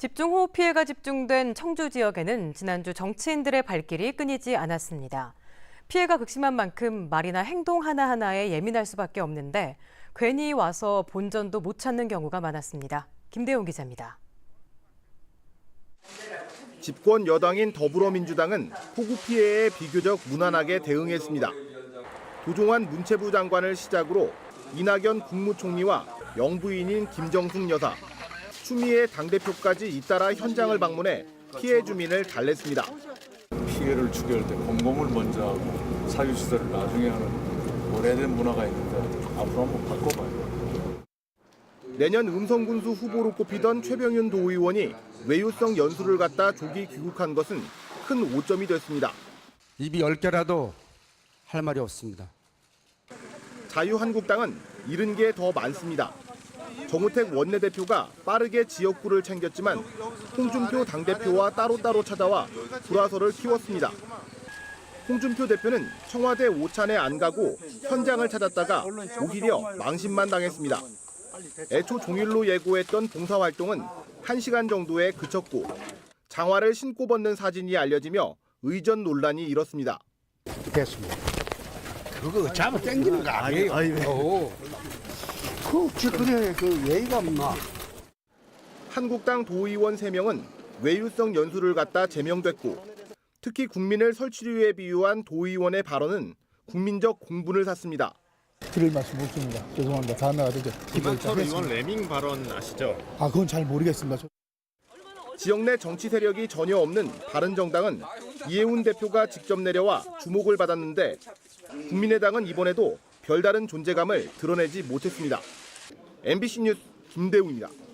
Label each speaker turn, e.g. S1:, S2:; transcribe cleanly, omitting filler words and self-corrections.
S1: 집중호우 피해가 집중된 청주 지역에는 지난주 정치인들의 발길이 끊이지 않았습니다. 피해가 극심한 만큼 말이나 행동 하나하나에 예민할 수밖에 없는데 괜히 와서 본전도 못 찾는 경우가 많았습니다. 김대용 기자입니다.
S2: 집권 여당인 더불어민주당은 폭우 피해에 비교적 무난하게 대응했습니다. 도종환 문체부 장관을 시작으로 이낙연 국무총리와 영부인인 김정숙 여사, 추미애 당대표까지 잇따라 현장을 방문해 피해 주민을 달랬습니다.
S3: 피해를 추결할 때 공공을 먼저 하고 사유시설을 나중에 하는 오래된 문화가 있는데 앞으로 한번 바꿔봐요.
S2: 내년 음성군수 후보로 꼽히던 최병윤 도의원이 외유성 연수를 갖다 조기 귀국한 것은 큰 오점이 됐습니다.
S4: 입이 10개라도 할 말이 없습니다.
S2: 자유한국당은 잃은 게 더 많습니다. 정우택 원내대표가 빠르게 지역구를 챙겼지만 홍준표 당대표와 따로따로 찾아와 불화설을 키웠습니다. 홍준표 대표는 청와대 오찬에 안 가고 현장을 찾았다가 오히려 망신만 당했습니다. 애초 종일로 예고했던 봉사활동은 1시간 정도에 그쳤고 장화를 신고 벗는 사진이 알려지며 의전 논란이 일었습니다.
S5: 됐습니다. 그거 잡아 당기는 거 아니에요. 그래 그 예의가 없나?
S2: 한국당 도의원 3명은 외유성 연수를 갖다 제명됐고 특히 국민을 설치류에 비유한 도의원의 발언은 국민적 공분을 샀습니다.
S6: 드릴 말씀 못 드립니다. 죄송합니다. 다음 나가 되죠.
S7: 김한철 의원 레밍 발언 아시죠?
S6: 그건 잘 모르겠습니다.
S2: 지역 내 정치 세력이 전혀 없는 바른정당은 이해운 대표가 직접 내려와 주목을 받았는데 국민의당은 이번에도 별다른 존재감을 드러내지 못했습니다. MBC 뉴스 김대웅입니다.